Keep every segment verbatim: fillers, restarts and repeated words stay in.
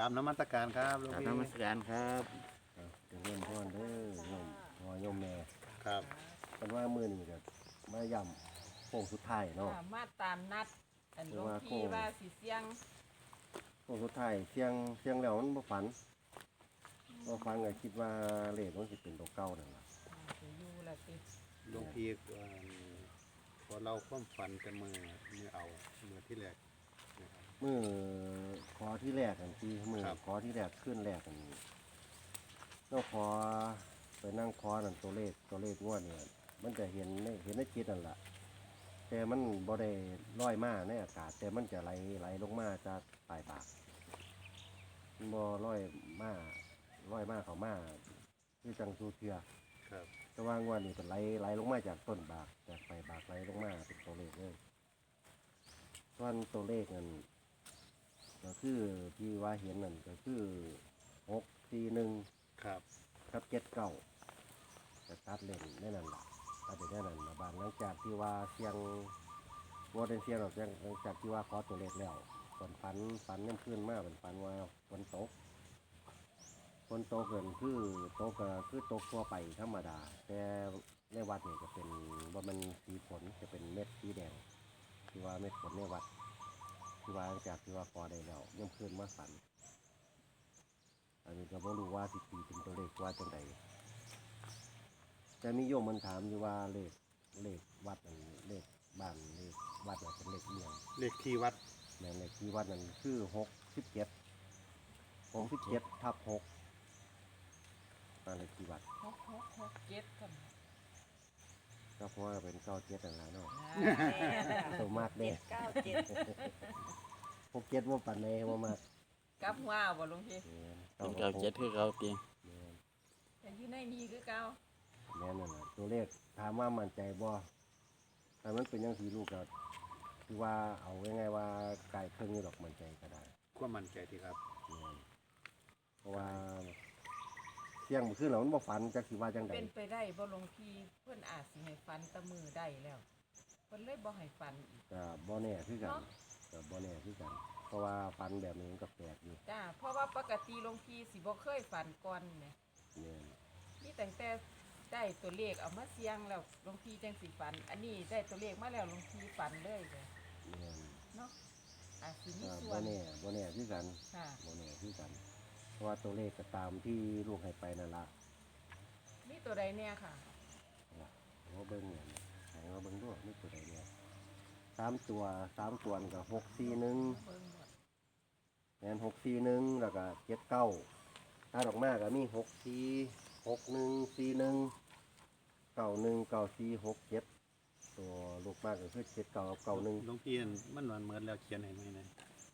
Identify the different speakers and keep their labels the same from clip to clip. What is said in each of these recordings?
Speaker 1: ราบนมัสการครับหลวง
Speaker 2: กราบ
Speaker 1: พี่
Speaker 2: นมัสการครับ
Speaker 3: จะเริ่มพ่อนเด้อโยมพ่อโยมแม่
Speaker 1: ครับ
Speaker 3: เป็นว่ามื้อนี้ก็มาย่ำโค้งสุดท้ายเนาะ
Speaker 4: ค่ะมาตามนัดอันหลวง
Speaker 3: ว่าโค้
Speaker 4: พี่
Speaker 3: ง
Speaker 4: ว่าสิเสียง
Speaker 3: โค้งสุดท้ายเสียงเสียงแล้วมันบ่ฝันบ่ฝันก็คิดว่าเลขมันสิเป็นตัวเก่านั่นล่ะ
Speaker 4: อ่าสิอยู่ละติ
Speaker 1: หลวงพี่เอ่อพอเราความฝันแต่มือมือเอามือที่แรกนะครับ
Speaker 3: มื้อขอที่แรกกันที่มื้อ
Speaker 1: ครับ
Speaker 3: ขอที่แรกขึ้นแรกกันเราขอไปนั่งขอนั่นตัวเลขตัวเลขงวดเนี่ยมันจะเห็นในเห็นในจิตนั่นล่ะแต่มันบ่ได้ลอยมาในอากาศ แต่มันจะไหลไหลลงมาจากปลายปากมันบ่ลอยมาลอยมาเข้ามาคือจังสูเทือ
Speaker 1: ครับ
Speaker 3: แต่ว่างวดนี้เป็นไหลไหลลงมาจากต้นบากจากปลายบากไหลลงมาเป็นตัวเลขเลยส่วนตัวเลขนั่นก็คือที่ว่าเห็นนั่นก็คือหกสี่หนึ่ง
Speaker 1: ครับ
Speaker 3: ครับเจ็ดเก้าจะตัดเล่นได้นั่นแหละตัดได้นั่นละบางหลังจากที่ว่าเสียงว่าเป็นเสียงหรอกหลังจากที่ว่าขอตัวเลขแล้วฝนฝันฝันย่ำขึ้นมากเป็นฝันว่าฝนตกฝนตกเกินคือตกก็คือตกทั่วไปธรรมดา แต่ในวัดนี่จะเป็นว่ามันสีฝนจะเป็นเม็ดสีแดงที่ว่าเม็ดฝนในวัดที่ว่าหลังจากที่ว่าพอได้แล้วย่ำขึ้นมาฝัน อันนี้ก็บ่รู้ว่าสิตีเป็นตัวเลขว่าจังใดแต่มีโยมมันถามอยู่ว่าเลขเลขวัดนั่นเลขบ้านเลขวัดน่ะเป็นเลขเอียง
Speaker 1: เลขที่วัด
Speaker 3: แม่นเลขที่วัดนั่นคือหกสิบเจ็ดหกสิบเจ็ดทับหกนั่นเลขที่วัด
Speaker 4: หกหกหกเจ็ดกัน
Speaker 3: ก็เพราะว่าเป็นเก้าเจ็ดนั่นแหละเนาะ
Speaker 4: อ่า
Speaker 3: ตัวมากเด้
Speaker 4: เก้าเจ็ด
Speaker 3: หกเจ็ดว่าปันในว่ามาก
Speaker 4: กลับหัวบ่หลวงพี่
Speaker 2: เป็นเก่าเจ็ดคือเก่าตี
Speaker 3: แม่น
Speaker 4: แต่อยู่ในนี้คือเก่า
Speaker 3: แม่นนั่นแหละตัวเลขถามว่ามั่นใจบ่ถ้ามันเป็นอยังสีลูกก็คือว่าเอาง่ายๆว่าไก่เครื่องนี้ดอกมั่นใจก็ได้
Speaker 1: ความมั่นใจที่ครับ
Speaker 3: แม่นเพราะว่าเสียงมันขึ้นแล้วมันบ่ฝันจักสิว่าจังใด
Speaker 4: เป็นไปได้บ่หลวงพี่เพิ่นอาจสิให้ฟันแตะมือได้แล้วเพิ่นเลยบ่ให้ฟันอีก
Speaker 3: ก็บ่แน่คือกัน
Speaker 4: เนาะ
Speaker 3: ก็บ่แน่คือกัน เพราะว่าฝันแบบนี้มันก็แปลกอยู่
Speaker 4: จ้าเพราะว่าปกติหลวงพี่สิบ่เคยฟันก่อนแหม
Speaker 3: แม่น
Speaker 4: นี่ตั้งแต่ได้ตัวเลขเอามาเสียงแล้วหลวงพี่จังสิฟัน อันนี้ได้ตัวเลขมาแล้วหลวงพี่ฟันเลยเลย
Speaker 3: แม่น
Speaker 4: เนาะอาจสิมี
Speaker 3: ก็
Speaker 4: ส่ว
Speaker 3: บ่
Speaker 4: น
Speaker 3: แน่บ่แน่คือกัน
Speaker 4: ค่ะ
Speaker 3: บ่แน่คือกัน เพราะว่าตัวเลขก็ตามที่ลูกให้ไปนั่นล่ะ
Speaker 4: มีตัวใดเนี่ยค่ะ
Speaker 3: ว่าเบิ่งเนี่ยให้ว่าเบิ่งด้วยนี่ตัวใดเนี่ยสามตัวสามตัวนี่ก็หกสี่หนึ่ง
Speaker 4: เบิ่งหมด
Speaker 3: แม่นหกสี่หนึ่งแล้วก็เจ็ดเก้าถ้าดอกมาก็มีหกสี่หกหนึ่งสี่หนึ่งเก้าหนึ่งเก้าสี่หกเจ็ดตัวลูกมากก็คือเจ็ดเก้ากับเก้าหนึ่ง
Speaker 1: หลวงพี่มันมันเหมือนแล้วเขียนให้ไหมนะ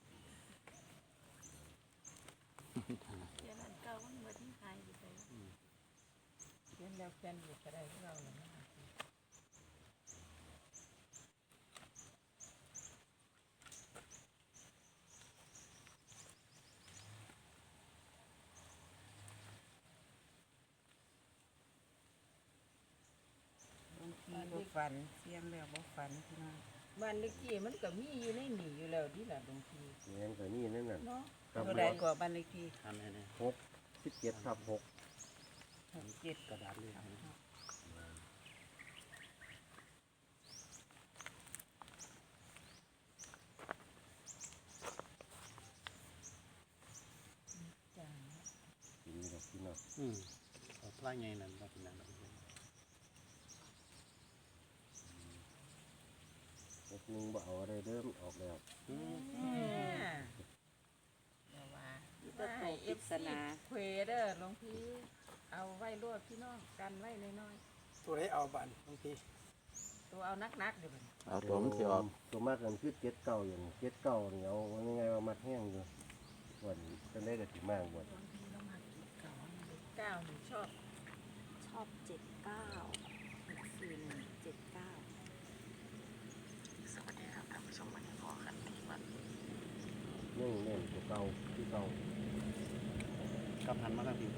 Speaker 5: เดี๋ยวมันเก่ามันเหมือนที่ไทยอยู่เลย
Speaker 4: เขียนแล้วเขียนอยู่ก็ได้ของเราเลยนะคะบางทีบ่ฝันเสียงแล้วบ่ฝันพี่น้องบ้านเลขที่มันก็มีอยู่ในนี่อยู่แล้วที่ล่ะบางที
Speaker 3: แม่นก็นี่นั่นน่ะ
Speaker 4: เนาะ
Speaker 3: ครับ
Speaker 4: ตัวใดกว่าบ้านเลขที่
Speaker 1: อันนี้นะ
Speaker 3: หกสิบเจ็ดทับหก
Speaker 4: หกเจ็ด
Speaker 1: กระดาษเลยนะ
Speaker 4: จ้า
Speaker 3: ทีนี้ดอกที่เนาะ
Speaker 1: อืมเอาพลาดไงนั่นว่าเป็นนั่นหรอก
Speaker 3: หกหนึ่งบ่เอาอะไรเริ่มออกแล้ว
Speaker 1: อืม
Speaker 4: เดี๋ยวว่า
Speaker 5: มีแตัวโตปริศนา
Speaker 4: เควเด้อหลวงพี่เอาไว้รวดพี่น้องกันไว้น้อย
Speaker 6: ตัวได้เอาบันบางที
Speaker 4: ๆตัวเอานักๆเดี๋ยวมัน
Speaker 2: เอาตัวมันสิออก
Speaker 3: ตัวมากกันคือเจ็ดเก้าอย่างเจ็ดเก้าเหนียวว่ายังไงว่ามัดแห้งอยู่วันจะได้กับถึงมากวัน
Speaker 4: บางทีต้องมากินเก่าเก้าหนูชอบ
Speaker 5: ชอบเจ็ดเก้าหกสี่หนึ่งเจ็ดเก้า
Speaker 2: สวัสดีครับท่านผู้ชมวันนี้ขอกันที่วัด
Speaker 3: เน่งเน่งตัวเก่าที่เก่า
Speaker 1: กับหันมาทางพี่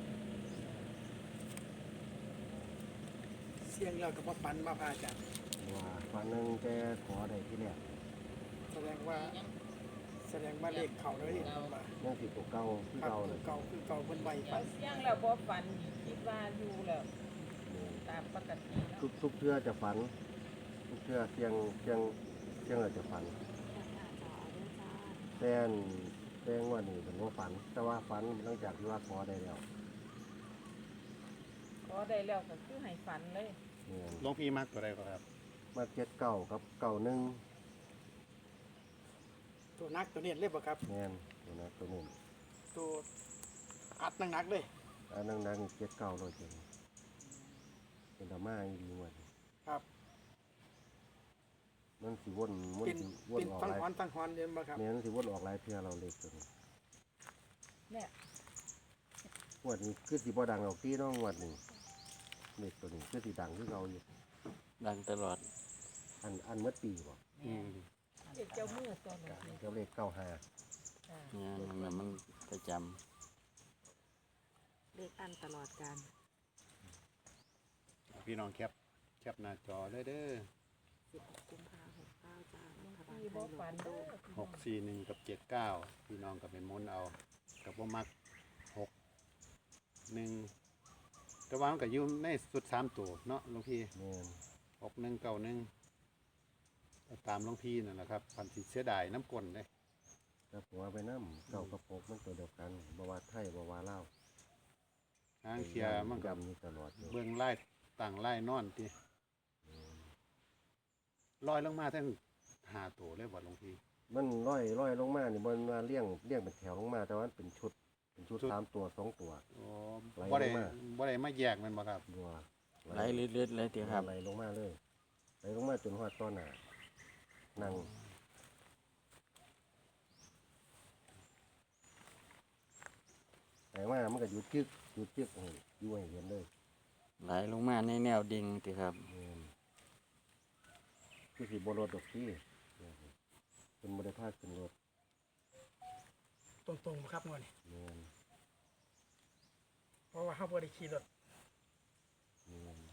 Speaker 6: เสียงเรากับว่าปันมาพาจัน
Speaker 3: ว่าฟังหนึ่งแต่ขอได้ที่แรก
Speaker 6: แสดงว่าแสดงว่าเลขเขาเลยว่า
Speaker 3: ยังสิตัวเก่าคือ
Speaker 6: ครับ
Speaker 3: เก่า
Speaker 6: คื
Speaker 3: เล
Speaker 6: อย เก่าคือเก่าเพิ่นใบ
Speaker 4: เดี๋
Speaker 6: ฝั
Speaker 4: ยวน เสียงแล้วบ่ฝันคิดว่าอยู่แล้วตามปกติเนาะ
Speaker 3: ทุกทุกเทื่อจะฝัน ทุกเทื่อเสียงเสียงเสียงเราจะฝัน
Speaker 5: แคปหน้าจอด้วยจ้า
Speaker 3: แต่อันแต่งว่านี่เป็นว่าฝัน แต่ว่าฝันหลังจากที่ว่าขอได้แล้ว
Speaker 4: ขอได้แล้วก็คือให้ฝันเลย
Speaker 3: เนี่ย
Speaker 1: หลวงพี่มักตัวใดก็ครับ
Speaker 3: มาเจ็ดเก้ากับเก้าหนึ่ง
Speaker 6: ตัวนักตัวเนี้เรียบบ่ครับ
Speaker 3: แม่นตัวนั้นตัวนี้
Speaker 6: ตัวอัดหนักๆเลย
Speaker 3: อันนั้นนั้นเจ็ดเก้าเลยจริงเป็นดราม่าอีดีหมด
Speaker 6: ครับ
Speaker 3: มันสิวนมัน
Speaker 6: เป็น
Speaker 3: สิวน
Speaker 6: เป็น
Speaker 3: ออก
Speaker 6: ฟัง
Speaker 3: หลาย
Speaker 6: ฮอนฟังฮอนเรียนบ่ครับ
Speaker 3: แม่นสิวนออกหลายเทื่อเราเล็กตัวนี้
Speaker 4: เนี่ย
Speaker 3: งวดนี้คือสิบ่ดังออกที่น้องงวดนี้เล็กตัวนี้คือสิดังคือเราอยู่
Speaker 2: ดังตลอด
Speaker 3: อันอันเมื่อปีบ่
Speaker 1: อืม
Speaker 4: เด็กเจ้ามือตัวนี้
Speaker 3: เจ้าเลขเก้าห้า
Speaker 2: เนี่ยมันมันประจ
Speaker 5: เลขอันตลอดการ
Speaker 1: พี่น้องแคปแคปหน้าจอเลยเด้อ
Speaker 5: สิบหกกุมภาพันธ์หกเก้าจ้ารัฐบาล
Speaker 4: ที่
Speaker 5: ไท
Speaker 4: บ่
Speaker 5: ยล
Speaker 4: ฝัน
Speaker 5: ง
Speaker 4: เด้
Speaker 5: ตู้
Speaker 4: อ
Speaker 1: หกสี่หนึ่งกับเจ็ดเก้าพี่น้องก็เป็นมนต์เอากับว่ามักหกหนึ่งแต่ว่ามันก็อยู่ในสุดสามตัวเนาะหลวงพี่
Speaker 3: แม่น
Speaker 1: หกหนึ่งเก้าหนึ่งตามหลวงพี่นั่นแหละครับพันธิเสียดายน้ำกลนเลย
Speaker 3: ถ้าผัวไปน้ำเก้ากับหกมันตัวเดียวกันบ่ว่าไทยบ่ว่าลาว
Speaker 1: ทางเคลียร์มันก็
Speaker 3: ย้ำอยู่ตลอดอยู่
Speaker 1: เบื้องไล่ต่างไล่นอนที่ลอยลงมาทั้งหาตัวเลยบ่หลวงพี่
Speaker 3: มันร้อยร้อยลงมานี่มันมาเลี้ยงเลี้ยงเป็นแถวลงมาแต่ว่ามันเป็นชุดเป็นชุด
Speaker 1: ชุด
Speaker 3: สามตัวสองตัว
Speaker 1: โอ้
Speaker 3: ไหล
Speaker 1: บ่ได้
Speaker 3: ลงมา
Speaker 1: บ่ได้มาแยกมันบ่ครับ
Speaker 3: บัว
Speaker 2: ำไหลเลือดๆเลยทีครับ
Speaker 3: ไหลลงมาเลยไหลลงมาจนหอดต้นหนานั่งแต่ว่ามันก็หยุดจึกหยุดจึกให้อยู่ให้เห็นเลย
Speaker 2: ไหลลงมาในแนวดิ่งทีครับ
Speaker 3: แม่นคือสิบรถดอกที่เป็นบริภาคเป็นรถ
Speaker 6: ตรงๆบ่ครับงวดนี้
Speaker 3: แม่น
Speaker 6: เพราะว่าเฮาบ่ได้ขี่รถ
Speaker 3: แม่น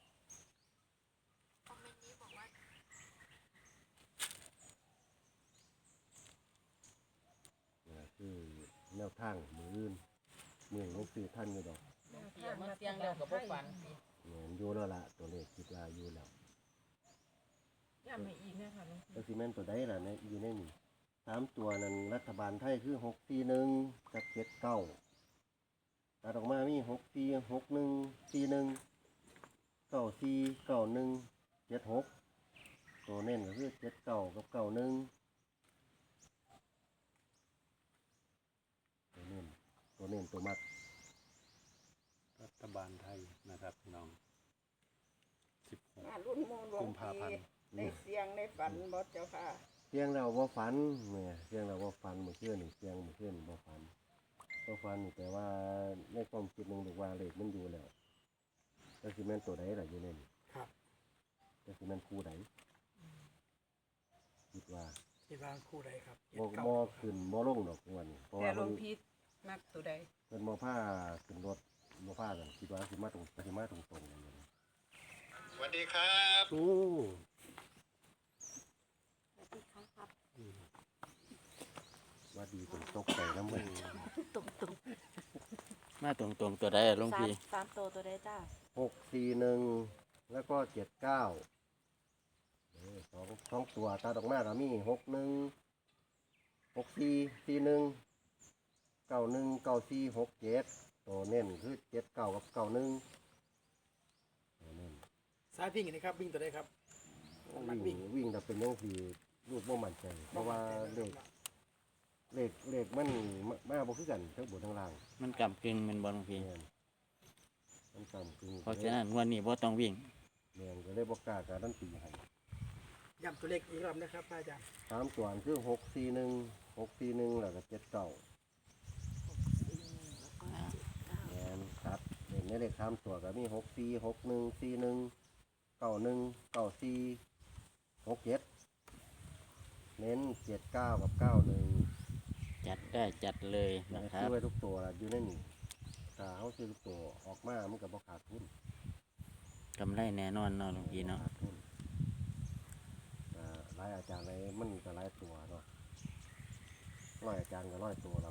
Speaker 3: นี่คือแนวทางมืออื่นมือหลวงสื่อท่านอยู่ดอก
Speaker 4: เสียงมาเสียงแล้วก็บ่ฝัน
Speaker 3: แม่นอยู่แล้วล่ะตัวเลขคิดว่าอยู่แล้ว
Speaker 4: ย้ำให้อีกนะคะหลวงพี่
Speaker 3: แล้วซีเมนต์ตัวใดล่ะในอยู่ในนี่สามตัวนั้นรัฐบาลไทยคือหกสี่หนึ่งกับเจ็ดเก้าตัดออกมามีหกสี่หกหนึ่งสี่หนึ่งเก้าสี่เก้าหนึ่งเจ็ดหกตัวเน้นก็คือเจ็ดเก้ากับเก้าหนึ่งตัวเน้นตัวเน้นตัวมัด
Speaker 1: รัฐบาลไทยนะครับพี่น้องสิบหก
Speaker 4: รุ่นโมหลว
Speaker 1: กุ
Speaker 4: ง
Speaker 1: มภาพัน
Speaker 4: พี่
Speaker 1: ธ์
Speaker 4: ได้เสียงได้ฝันบ่เจ้าค่ะ
Speaker 3: เสียงเราว่าฝันเนี่ยเสียงเราว่าฝันเมื่อคืนนี่เสียงเมื่อคืนว่าฝันว่าฝันนี่แต่ว่าในความคิดหนึ่งบอกว่าเลขมันอยู่แล้วแล้วซีเมนต์ตัวใดล่ะอยู่ในนี่
Speaker 6: ครับ
Speaker 3: แล้วซีเมนต์คู่ใดคิดว่า
Speaker 6: คิดว่าคู่ใดครับ
Speaker 3: บ่บ่ขึ้นบ่ลงดอกวันนี้เพราะ
Speaker 4: แต่
Speaker 3: ว่า
Speaker 4: หล
Speaker 3: เพิ่
Speaker 4: วน งพี่มักตัวใด
Speaker 3: เพิ่นบ่พาขึ้นรถบ่พากันคิดว่าสิมาตรงสิมาตรงตรงกันเลย
Speaker 1: สวัสดีครับโอ้
Speaker 5: สวัสดีครับ
Speaker 3: ว่าดีจนตกใจน้ำมัน
Speaker 5: ตรงตรง
Speaker 2: มาตรงๆตัวใดอะหลวง
Speaker 5: สาม
Speaker 2: พี่
Speaker 5: สามตัวตัวใดจ้า
Speaker 3: หกสี่หนึ่งแล้วก็เจ็ดเก้าเออสองสองตัวตาดอกมาก็มีหกหนึ่งหกสี่สี่หนึ่งเก้าหนึ่งเก้าสี่หกเจ็ดตัวเน้นคือเจ็ดเก้ากับเก้าหนึ่งตัวเน้น
Speaker 6: สายวิ่งนี่ครับวิ่งตัวใดครับมัก
Speaker 3: วิ่
Speaker 6: วิ่
Speaker 3: ง
Speaker 6: ง
Speaker 3: วิ่งแต่เป็นยังสีลูกบ่มั่นใจ เพราะว่าเลขเลขเลขมันมามาบ่คือกันทั้งบนทั้งล่าง
Speaker 2: มันกำกึ่งแมันบอลงพี่
Speaker 3: แม่นมันต่ำคือ
Speaker 2: เพราะฉะนั้นงวันนี้บ่ต้องวิ่ง
Speaker 3: แม่นก็เลยบ่กล้าการันตีให้
Speaker 6: ย้ำตัวเลขอีกรอบนะครับพระอาจารย์
Speaker 3: สามตัวอันคือหกสี่หนึ่งหกสี่หนึ่งแล้วก็เจ็ดเก้า
Speaker 5: สี่หนึ่งแล้วก็เจ็ดเก้า
Speaker 3: แม่นครับเห็นในเลขสามตัวก็มีหกสี่หกหนึ่งสี่หนึ่งเก้าหนึ่งเก้าสี่หกเจ็ดเน้นเจ็ดเก้ากับเก้าหนึ่ง
Speaker 2: จัดได้จัดเลยนะครั
Speaker 3: ซื้
Speaker 2: บ
Speaker 3: อไว้ทุกตัวล่ะอยู่ในนี่ถ้าเขาซื้อทุกตัวออกมามันก็บ่ขาดทุน
Speaker 2: กำไรแน่นอนเนาะหลวงพี่เนาะ
Speaker 3: ขาดทุนอ่าหลายอาจารย์เลยมันก็หลายตัวเนาะเพราะร้อยอาจารย์ก็ร้อยตัวละ